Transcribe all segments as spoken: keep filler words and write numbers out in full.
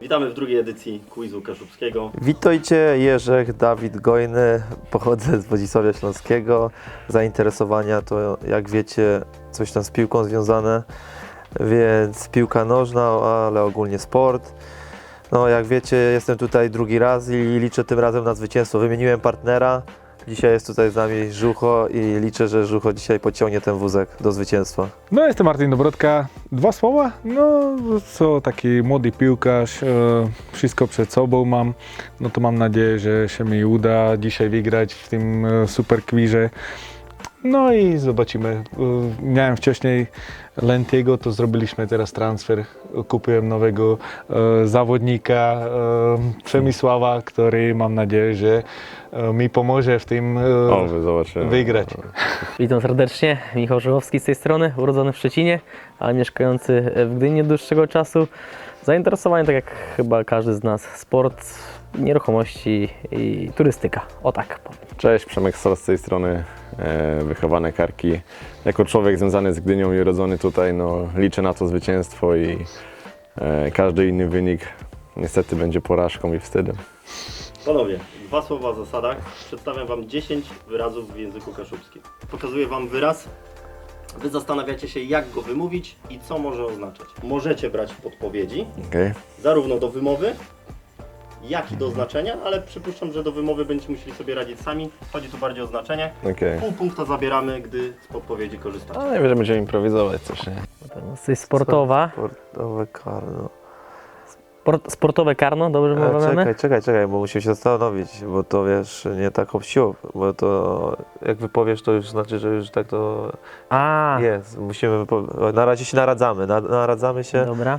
Witamy w drugiej edycji quizu kaszubskiego. Witajcie, Jerzech, Dawid Gojny, pochodzę z Wodzisławia Śląskiego. Zainteresowania to, jak wiecie, coś tam z piłką związane, więc piłka nożna, ale ogólnie sport. No jak wiecie, jestem tutaj drugi raz i liczę tym razem na zwycięstwo. Wymieniłem partnera, dzisiaj jest tutaj z nami Żucho i liczę, że Żucho dzisiaj pociągnie ten wózek do zwycięstwa. No jestem Martin Dobrodka. Dwa słowa? No co, taki młody piłkarz, e, wszystko przed sobą mam. No to mam nadzieję, że się mi uda dzisiaj wygrać w tym e, super quizie. No i zobaczymy. E, miałem wcześniej Lentiego, to zrobiliśmy teraz transfer. Kupiłem nowego e, zawodnika e, Przemysława, który mam nadzieję, że e, mi pomoże w tym e, O, wy zobaczymy. wygrać. Witam serdecznie, Michał Żuchowski z tej strony, urodzony w Szczecinie, ale mieszkający w Gdyni od dłuższego czasu. Zainteresowany, tak jak chyba każdy z nas, sport, nieruchomości i turystyka. O tak powiem. Cześć, Przemek Sor z tej strony, e, wychowane Karki. Jako człowiek związany z Gdynią i urodzony tutaj, no, liczę na to zwycięstwo i e, każdy inny wynik niestety będzie porażką i wstydem. Panowie, dwa słowa o zasadach. Przedstawiam Wam dziesięć wyrazów w języku kaszubskim. Pokazuję Wam wyraz. Wy zastanawiacie się, jak go wymówić i co może oznaczać. Możecie brać podpowiedzi, Okay? zarówno do wymowy, jak i do znaczenia, ale przypuszczam, że do wymowy będziecie musieli sobie radzić sami. Chodzi tu bardziej o znaczenie. Okay. Pół punkta zabieramy, gdy z podpowiedzi korzystacie. A najwyżej będziemy improwizować coś, nie? Na pewno coś sportowa, Sportowe karno. Sport, sportowe karno, dobrze E, mówione? czekaj, czekaj, czekaj, bo musimy się zastanowić, bo to wiesz, nie tak obsił, bo to jak wypowiesz, to już znaczy, że już tak to A, jest. Musimy, wypo- na razie się naradzamy, na, naradzamy się. dobra.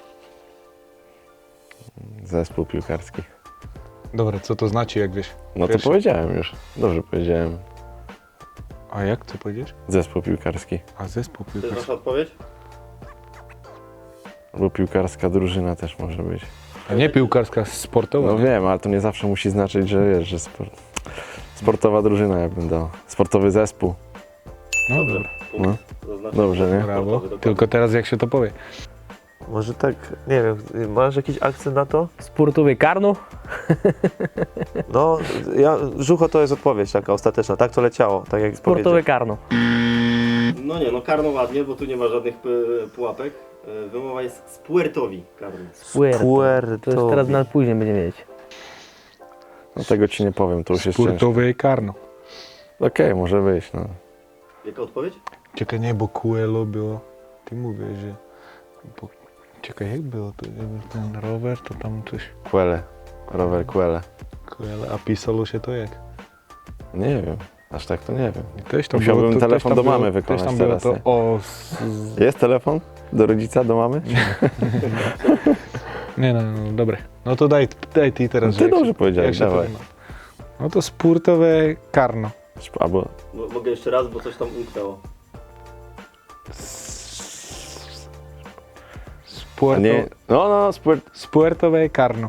Zespół piłkarski. Dobra, co to znaczy, jak wiesz? No to Pierwszy. powiedziałem już. Dobrze powiedziałem. A jak co powiedziesz? Zespół piłkarski. A zespół To jest piłkarski. Wasza odpowiedź? Albo piłkarska drużyna też może być. A nie piłkarska, sportowa. No wiem, ale to nie zawsze musi znaczyć, że wiesz, że sport... sportowa drużyna, ja bym dał. Sportowy zespół. No Dobrze. dobra. Punkt zaznaczony. Dobrze, nie? Brawo. Sportowy, dokładnie. Tylko teraz jak się to powie? Może tak, nie wiem, masz jakiś akcent na to? Sportowe karno, No, ja, Żucho to jest odpowiedź taka ostateczna, tak to leciało, tak jak sportowe powiedział. karno. No nie, no karno ładnie, bo tu nie ma żadnych p- pułapek. E, Wymowa jest spuertowi karno. Puerto. Puerto. To już teraz na później będziemy wiedzieć. No tego ci nie powiem, to już jest ciężko. Sportowe karno. Okej, może być, no. Jaka odpowiedź? Czekaj, nie, bo Kuelo było. Ty mówisz, że... Bo... Czekaj, jak było to? Jakby ten rower, to tam coś... Kuele. Rower Kuele. Kuele, a pisało się to jak? Nie wiem, aż tak to nie wiem. I Też tam Musiałbym było, to, telefon też tam do mamy było, wykonać też tam było teraz, to nie? o... Z, z... Jest telefon? Do rodzica, do mamy? Nie, no, no, dobre. No to daj, daj ty teraz. No ty jak dobrze się- powiedziałeś, jak się to dawaj. ma. No to sportowe karno. Albo Mo- Mogę jeszcze raz, bo coś tam umknęło. a Sporto... nie. No, no, sport. Sportowe karno.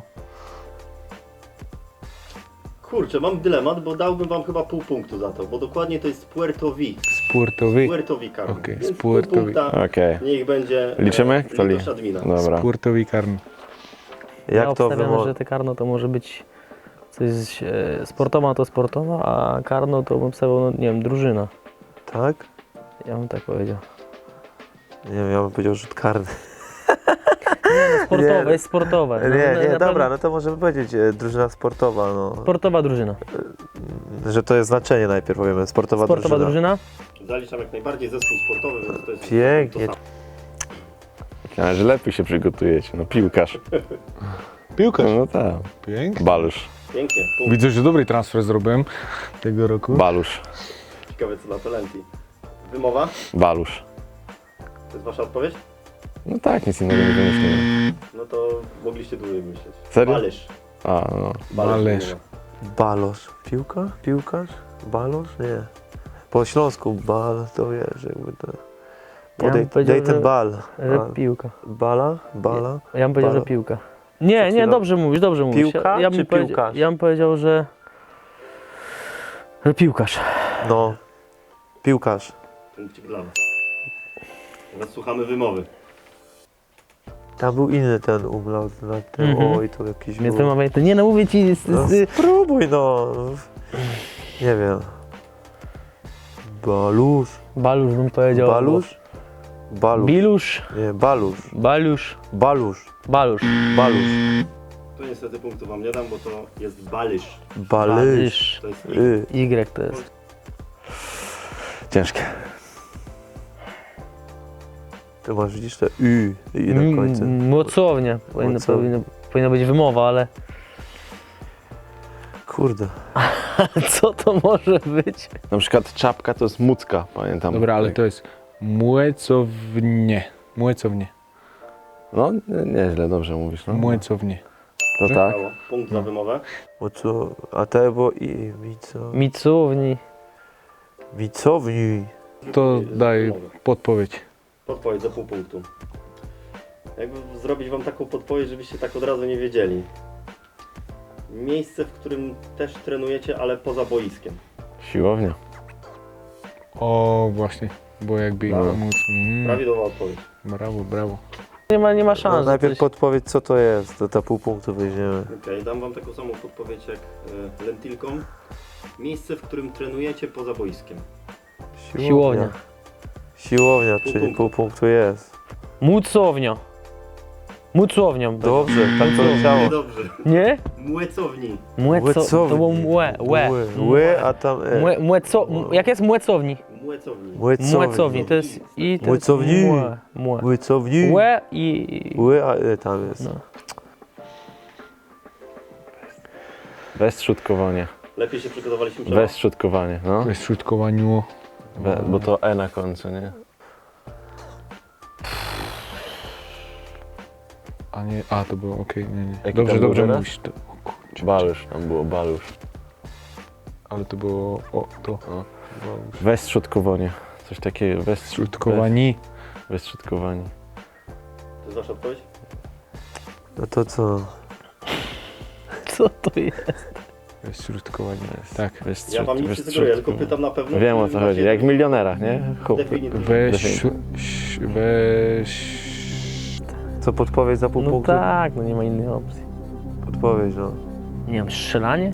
Kurczę, mam dylemat, bo dałbym Wam chyba pół punktu za to, bo dokładnie to jest Puertowi. Sportowy. Puertowi karno. Okej, Więc pół Puertowi. punkta Okej. niech będzie. e, Liczymy? Kto li- litość admina. Dobra. Sportowy karno. Ja Jak to obstawiam, wymo... że te karno to może być coś e, sportowa to sportowa, a karno to bym stawiał, no, nie wiem, drużyna. Tak? Ja bym tak powiedział. Nie wiem, ja bym powiedział rzut karny. Sportowe, Nie. jest sportowe. No, Nie, na- nie, na dobra, pewno no to możemy powiedzieć e, drużyna sportowa, no. Sportowa drużyna. Że to jest znaczenie najpierw powiemy, sportowa, Sportowa drużyna. drużyna. Zaliczam jak najbardziej zespół sportowy, więc to jest. Pięknie. To samo. Ale że lepiej się przygotujecie. No piłkarz. Piłkarz. No tak. Pięknie. Balusz. Pięknie. Punkt. Widzę, że dobry transfer zrobiłem tego roku. Balusz. Ciekawe co na to Lenti. Wymowa? Balusz. To jest Wasza odpowiedź? No tak, nic innego nie wymyśliłem. No to mogliście dłużej myśleć. Serio? Balysz. A, no. Balysz. wymowa. Balosz. Piłka? Piłkarz? Balosz? Nie. Po śląsku bal, to wiesz, jakby to... Ja Podej, bym powiedział, daj ten że- bal. Że A, piłka. Bala? Bala? Ja bym powiedział, Balo. że piłka. Nie, Przed nie, chwilą. dobrze mówisz, dobrze mówisz. Piłka ja bym czy powiedział- piłkarz? Ja bym powiedział, że... że piłkarz. No. Piłkarz. Punkcik dla Was. Teraz słuchamy wymowy. Tam był inny ten umlaut na tym, Mhm. oj, to jakiś Więc był. wymawiaj to. Nie no, mówię ci... Z, No, z, spróbuj no. Nie wiem. Balusz. Balusz bym powiedział. Balusz? Balusz. Bilusz. Nie, balusz. Balusz. Balusz. Balusz. Balusz. Tu niestety punktu wam nie dam, bo to jest balysz. Balysz. To jest Y. Y to jest. Ciężkie. To masz widzisz te Y i na końcu. M- Mocownia. Powinno, Mocownia. powinno, powinna być wymowa, ale Kurde. co to może być? Na przykład czapka to jest mucka, pamiętam. Dobra, ale to jest muecownie. Muecownie. No, nie- nieźle, dobrze mówisz. No. Muecownie. To tak. Brawo. Punkt za wymowę. Bo co? A te było I. Mico. Micowni. Micowni. To daj Wymowę. podpowiedź. Podpowiedź za pół punktu. Jakby zrobić wam taką podpowiedź, żebyście tak od razu nie wiedzieli. Miejsce, w którym też trenujecie, ale poza boiskiem. Siłownia. O, właśnie. Bo jakby Brawo. móc. Mm, Prawidłowa odpowiedź. brawo, brawo. Nie ma, nie ma No, szans. że najpierw coś- podpowiedz co to jest, to ta pół punktu weźmiemy. Okej, dam wam taką samą podpowiedź jak y, lentilką. Miejsce, w którym trenujecie poza boiskiem. Siłownia. Siłownia, Pół czyli punktu. pół punktu jest. Mucownia. Mucownią. Dobrze, tak to Nie leciało. dobrze. Nie? Młecowni. Młeco, to było młe, łe. Ły, ły, a tam e. Młe, młeco, m- jak jest młecowni? Młecowni. Młecowni, to jest i to jest Młecowni. młe, młe. Łycowni. Łe i... Ły, a e, tam jest. No. Bezszutkowanie. Lepiej się przygotowaliśmy przed. Bezszutkowanie, no. To jest środkowaniu. Be, bo to E na końcu, nie? A nie, a to było okej, nie, nie. Jaki Dobrze, tam był dobrze teraz? mówisz. To, o kurczę, Balusz, tam było balusz. ale to było, o, to. No. Bezszutkowanie. Coś takiego, bez, Środkowani. bez, bezszutkowanie. To jest wasza odpowiedź? No to co? Co to jest? To jest środkowanie. Tak. Bez, Ja wam nic nie sugeruję, tylko pytam na pewno. Wiem o czy co chodzi, macie jak w milionerach, nie? Chłop. definicję. Weź, weź. Co podpowiedź za pół No punktu? tak, no nie ma innej opcji. Podpowiedź, no. Nie wiem, strzelanie?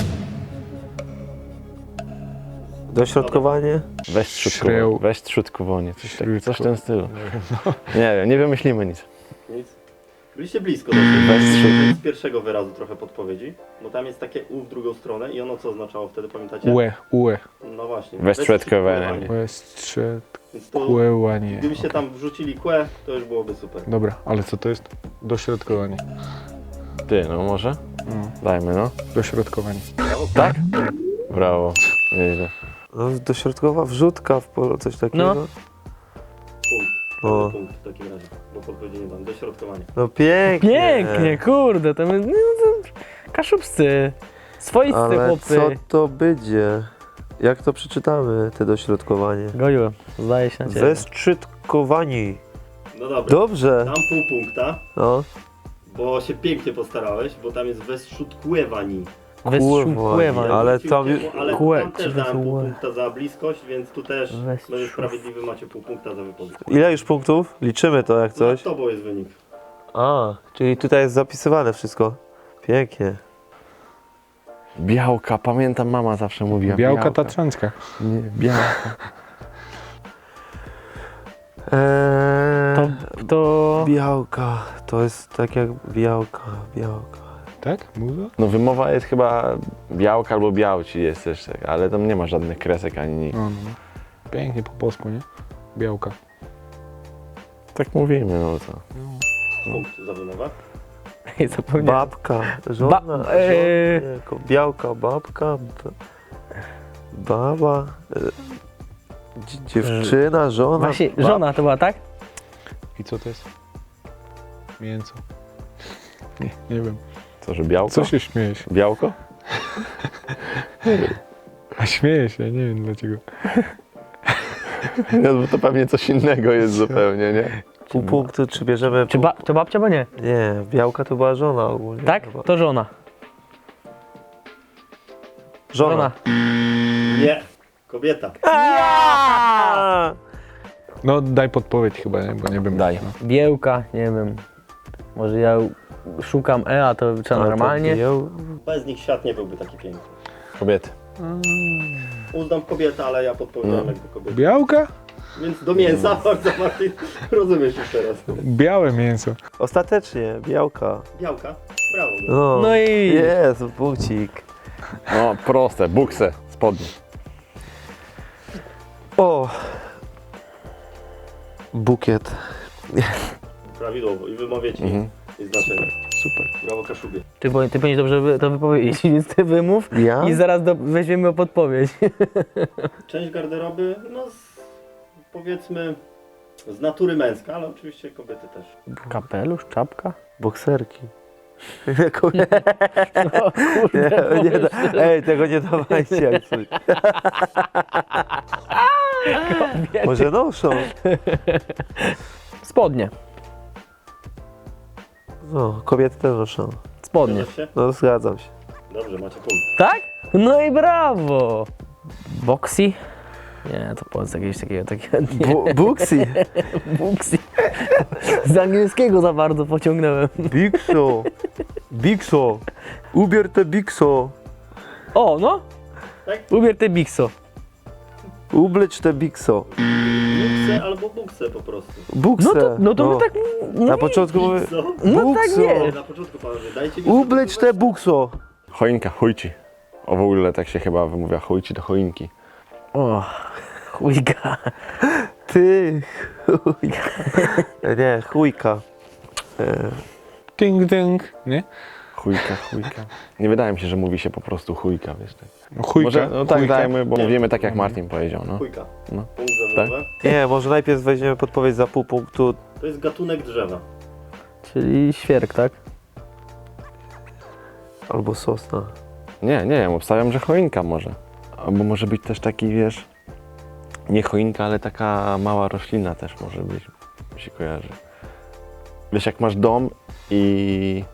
Dośrodkowanie? Bezszutkowanie. Śreł. Bezszutkowanie. Coś, tak, coś w Środko- tym stylu. Nie wiem, nie wymyślimy nic. Nic. Byliście blisko dosyć. Bez Z pierwszego wyrazu trochę podpowiedzi, bo tam jest takie U w drugą stronę i ono co oznaczało wtedy, pamiętacie? Ue, ue. No właśnie. Bezszutkowanie. Bezszczekłewanie. Gdybyście tam wrzucili kłe, to już byłoby super. Dobra, ale co to jest? Dośrodkowanie. Ty, no może? No, Dajmy, no. dośrodkowanie. Tak? Brawo. Nieźle. No dośrodkowa wrzutka w polu, coś takiego. No. Punkt. O. Dobry punkt w takim razie, bo podpowiedzi nie dam. Dośrodkowanie. No pięknie. Pięknie, kurde, to my... No, to kaszubscy. Swoisty Ale chłopcy. co to będzie? Jak to przeczytamy, te dośrodkowanie? Goju, zdaje się na ciebie. Westrzydkowani. No dobra. Dobrze. Dam pół punkta, No. bo się pięknie postarałeś, bo tam jest westrzutkwewani. Westrzupływanie. Ale tam- ale Kłe, tam też czy dałem pół wesłe? punkta za bliskość, więc tu też Westrzów. będę sprawiedliwy, macie pół punkta za wypowiedź. Ile już punktów? Liczymy to jak Coś? coś. Za tobą jest wynik. A, czyli tutaj jest zapisywane wszystko. Pięknie. Białka, pamiętam mama zawsze mówiła. Białka tatrzańska. Nie, białka. Eee, To, to... Białka. To jest tak jak białka, białka. Tak? Muza? No wymowa jest chyba białka albo białci jest też, tak, ale tam nie ma żadnych kresek ani nic. No, no, no. Pięknie po polsku, nie? Białka. Tak mówimy, no co. Punkt za wymowę. Ej, zapomniałem. Babka, żona, Ba- żona eee. nie, ko- białka, babka, b- baba, e, dzi- dziewczyna, żona. Właśnie, bab- żona to była, tak? I co to jest? Mięso. Nie, nie wiem. Co, że białko? Co się śmiejesz? Białko? A śmieję się, nie wiem dlaczego. No bo to pewnie coś innego jest zupełnie, nie? Pół punktu, czy bierzemy... Czy pół... ba to babcia, bo nie? Nie, białka to była żona ogólnie. Tak? chyba. To żona. Żona. Nie. Kobieta. A! No daj podpowiedź chyba, nie? Bo nie wiem. Daj. No. Biełka, nie wiem. Może ja szukam E, a to trzeba Ale to normalnie. biją- Bez nich świat nie byłby taki piękny. Kobiety. Uznam kobietę, ale ja podpowiadam No. jakby kobietę. Białka? Więc do mięsa, bardzo Martin, rozumiesz już teraz. Białe mięso. Ostatecznie, białka. Białka, brawo. No, No i- Jest, punkcik. No proste, bukse, spodnie. O! Bukiet. Prawidłowo i wymawiacie Mhm. i znaczenie. Super. Brawo Kaszubie. Ty, bo, ty powinieneś dobrze wy- to wypowiedzieć, więc ty wymów Ja? i zaraz do, weźmiemy o podpowiedź. Część garderoby, no z, powiedzmy z natury męska, ale oczywiście kobiety też. Kapelusz, czapka? Bokserki. Kurde, O kurde, nie, nie da, pomyśl. ej, tego nie dawajcie jak coś. Może noszą. Spodnie, No, kobiety też noszą. spodnie. Zgadzasz się? No, zgadzam się. Dobrze, macie punkt. Tak? No i brawo! Boxy? Nie, to powiedz jakiegoś takiego, takiego nie. Bu Buxi. Boxy. Z angielskiego za bardzo pociągnąłem. Bigso. Bigso. Ubier te Bigso. O, no! Tak? Ubier te Bixo. Ublecz te Bigso. Bukse albo bukse po prostu. Bukse. No to, no to my tak... No, Na początku mówię, Co? no tak Bukso. nie. Na początku panowie, dajcie mi ublecz te Bukso. Choinka, chujci. O w ogóle tak się chyba wymawia, chujci do choinki. O, chujka. Ty. Chujka. Nie, chujka. E, Ding, ding. Nie? Chujka, chujka. Nie wydaje mi się, że mówi się po prostu chujka, wiesz tak. No, chujka. Może, no tak chujka. dajmy, bo mówimy tak jak Martin powiedział, no. Chujka. No. Punkt za Tak? wymowę. nie, może najpierw weźmiemy podpowiedź za pół punktu. To jest gatunek drzewa. Czyli świerk, tak? Albo sosna. Nie, nie wiem, obstawiam, że choinka może. Albo może być też taki, wiesz, nie choinka, ale taka mała roślina też może być, mi się kojarzy. Wiesz, jak masz dom i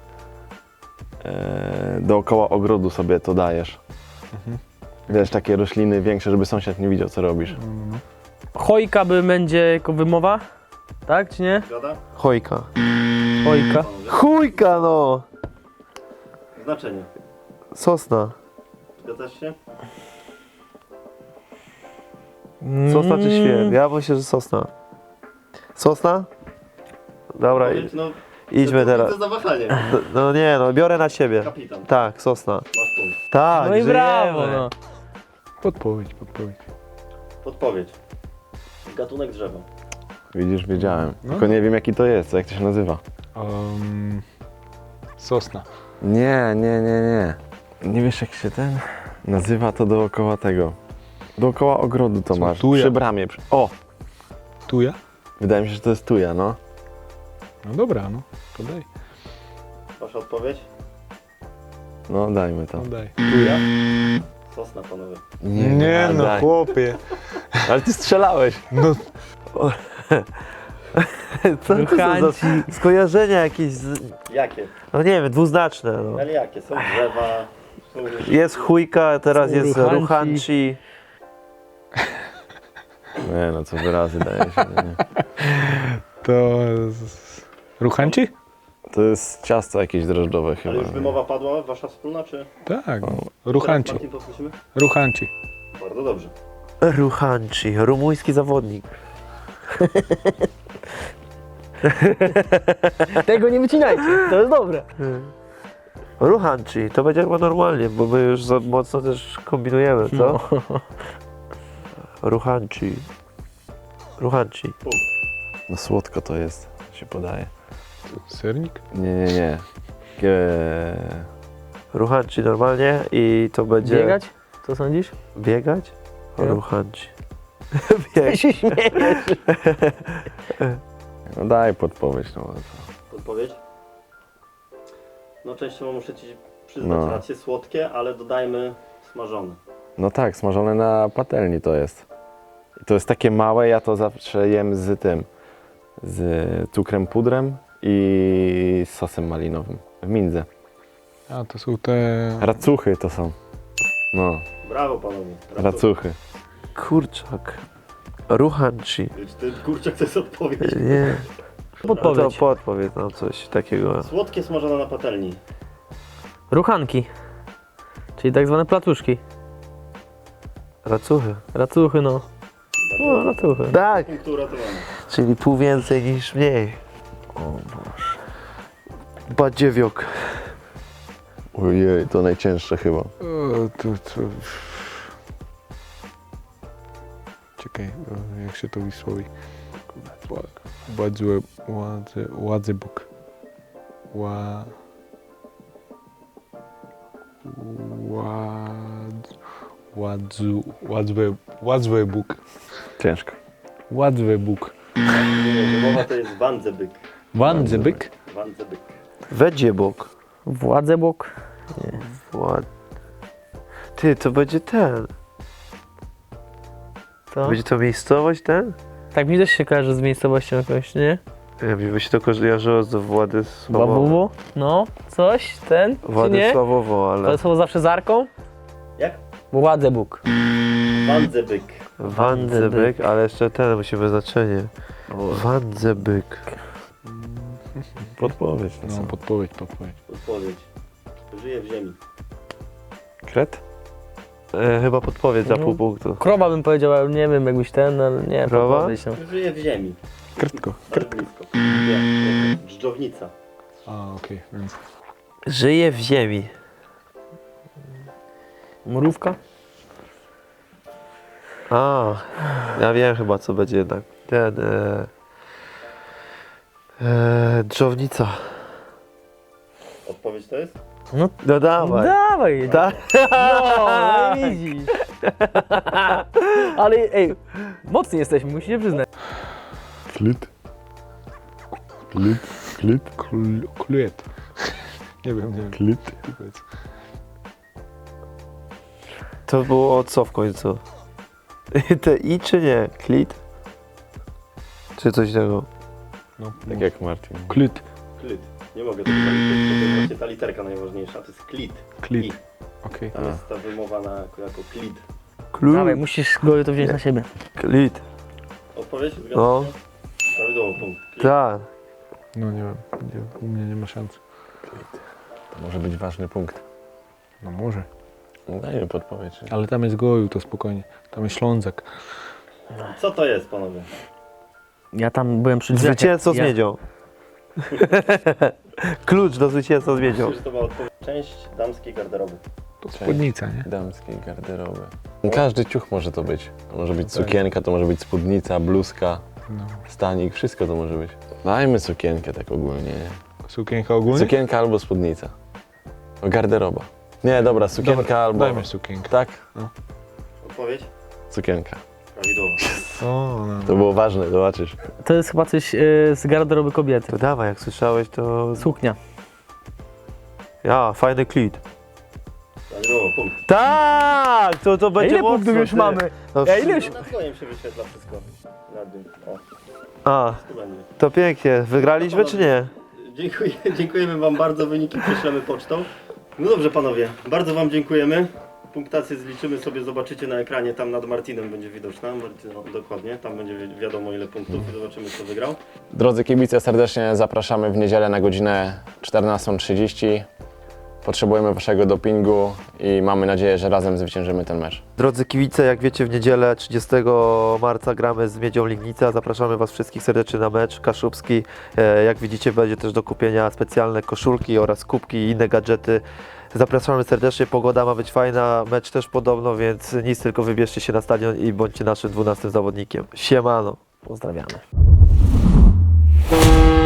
e, dookoła ogrodu sobie to dajesz. Wiesz, takie rośliny większe, żeby sąsiad nie widział, co robisz. Chojka by będzie jako wymowa? Tak, czy nie? Zgoda? Chojka. Chojka. Panowie. Chujka no! Znaczenie. Sosna. Zgadzasz się? Sosna czy Mm. świerk? Ja myślę, że sosna. Sosna? Dobra, Powiedz, no, idźmy to teraz. To za wahanie. No, no nie, no biorę na siebie. Kapitan. Tak, sosna. Masz punkt. Tak, No i żyjemy. brawo, no. Podpowiedź, podpowiedź. Podpowiedź. Gatunek drzewa. Widzisz, wiedziałem. No. Tylko nie wiem, jaki to jest, jak to się nazywa. Um, sosna. Nie, nie, nie, nie. Nie wiesz, jak się ten nazywa, to dookoła tego. Dookoła ogrodu to Co, masz. tuja? Przy bramie. Przy... O! Tuja? Wydaje mi się, że to jest tuja, no. No dobra, no. To daj. Wasza odpowiedź? No, dajmy to. No daj. Tuja. Sosna, panowie. Nie a no, daj. chłopie. Ale ty strzelałeś. No, Co to są za Ruchanci. skojarzenia jakieś, z... Jakie? no nie wiem, dwuznaczne. No. Ale jakie? Są drzewa. Są... Jest chujka, teraz Są jest ruchanci. ruchanci. Nie no, co wyrazy daje się. Nie? to... z- Ruchanci? To jest ciasto jakieś drożdżowe chyba. Ale już wymowa padła, wasza wspólna, czy? Tak. Teraz Ruchanci. Martin, powtórzymy? Ruchanci. Bardzo dobrze. Ruchanci, rumuński zawodnik. Tego nie wycinajcie, to jest dobre. Ruchanci, to będzie chyba normalnie, bo my już za mocno też kombinujemy, co? Ruchanci. Ruchanci. No słodko to jest, się podaje. Sernik? Nie, nie, nie. Gie... Ruchanci normalnie i to będzie... Biegać? Co sądzisz? Biegać? Ja. Ruchanci. Ja Bieg. się śmieję. No daj podpowiedź, no. to- Podpowiedź? No częściowo muszę ci przyznać No. rację, słodkie, ale dodajmy smażone. No tak, smażone na patelni to jest. I to jest takie małe, ja to zawsze jem z tym, z cukrem pudrem i z sosem malinowym w mindze. A, to są te... Racuchy to są. No, Brawo panowie. racuchy. Kurczak. Ruchanci. Ten kurczak to jest odpowiedź. Nie. No to Podpowiedź. podpowiedz nam coś takiego. Słodkie smażone na patelni. Ruchanki. Czyli tak zwane platuszki. Racuchy. Racuchy, no. No, racuchy. Tak, Punktu uratowany. czyli pół więcej niż mniej. O Boże. Badziewiok. Ojej, to najcięższe chyba. E, to, to... Czekaj, e, jak się to wysłowi? Ładzę, ładzę, ładzę Bóg. Ła... Ład... Ładzu... Ładzę... Ładzę Bóg. Ciężko. Ładzę Bóg. Mowa to jest Wandzebyk. Wandzebyk? Wandzebyk. Wedziebok. Władzebok. Wład... Ty, to będzie ten. To? Będzie to miejscowość ten? Tak mi też się kojarzy z miejscowością jakąś, nie? Nie wiem, by się to kojarzyło z Władysławowo. Babubo? No, coś, ten, czy nie? Władysławowo, To ale... słowo zawsze z arką? Jak? Władzebóg. Wandzebyk. Wandzebyk, ale jeszcze ten musimy znaczenie. Wandzebyk. Podpowiedź. No, No, co? podpowiedź, podpowiedź. Odpowiedź. Żyje w ziemi. Kret? E, chyba podpowiedź za No. pół punktu. Krowa bym powiedział, ale nie wiem, jakbyś ten, ale nie. Krowa? podpowiedź, no. Żyje w ziemi. Kretko. Ale blisko. Nie, nie. Dżdżownica. A, okej, więc... Żyje w ziemi. Mrówka? A, ja wiem chyba co będzie jednak. Ten... E, e, dżownica. Odpowiedź to jest? No, No dawaj. dawaj. Tak? No, no i widzisz. Ale ej, mocni jesteśmy, musicie przyznać. Klit? Klit? Klit? Kl- Kluet. Nie wiem, nie wiem. Klit? Powiedz. To było co w końcu? Te i czy nie? Klit? Czy coś innego? No, Tak jak Martin. Klit. Klit. Nie mogę tego zaliczyć, to jest właśnie ta literka najważniejsza. To jest klit. Klit. I. Okej. To jest ta wymowa na, jako, jako klit. Dawaj, Klut. musisz go to wziąć na siebie. Klit. Odpowiedź? Zgadza No. się? Prawidłowo, punkt. Klit. Tak. No nie wiem, nie, u mnie nie ma szans. To może być ważny punkt. No może. No, dajmy podpowiedź. Ale tam jest Goju, to spokojnie. Tam jest Ślązak. Co to jest, panowie? Ja tam byłem przy drzwiach. Zwycięzcą z ja, miedzią. Klucz do zwycięstwa z miedzią. Myślę, że to była odpowiedź. Część damskiej garderoby. To spódnica, nie? Damskiej garderoby. Każdy ciuch może to być. To może być sukienka, to może być spódnica, bluzka, No. stanik, wszystko to może być. Dajmy sukienkę tak ogólnie. nie? Sukienka ogólnie? Sukienka albo spódnica. O, garderoba. Nie, dobra, sukienka Dobra, albo... Dajmy sukienkę. Tak, Odpowiedź? sukienka. Prawidłowo. O, no. To było ważne, zobaczysz. To jest chyba coś y, z garderoby kobiety. To dawaj, jak słyszałeś to... Suknia. Ja, fajny klit. Prawidłowo, punkt. Tak! To, to A będzie ile mocno, punktów już ty. mamy? No, Ja ile już? Na twoim się wyświetla wszystko. Na dół. O, A, tu będzie. to pięknie. Wygraliśmy czy nie? Dziękuję, dziękujemy wam bardzo, wyniki prześlemy pocztą. No dobrze panowie, bardzo wam dziękujemy. Punktację zliczymy sobie, zobaczycie na ekranie, tam nad Martinem będzie widoczna. Martin, no, dokładnie, tam będzie wi- wiadomo ile punktów i zobaczymy kto wygrał. Drodzy kibice, serdecznie zapraszamy w niedzielę na godzinę czternastą trzydzieści. Potrzebujemy waszego dopingu i mamy nadzieję, że razem zwyciężymy ten mecz. Drodzy kibice, jak wiecie, w niedzielę trzydziestego marca gramy z Miedzią Legnica. Zapraszamy Was wszystkich serdecznie na mecz kaszubski. E, Jak widzicie, będzie też do kupienia specjalne koszulki oraz kubki i inne gadżety. Zapraszamy serdecznie, pogoda ma być fajna, mecz też podobno, więc nic, tylko wybierzcie się na stadion i bądźcie naszym dwunastym zawodnikiem. Siemano! Pozdrawiamy.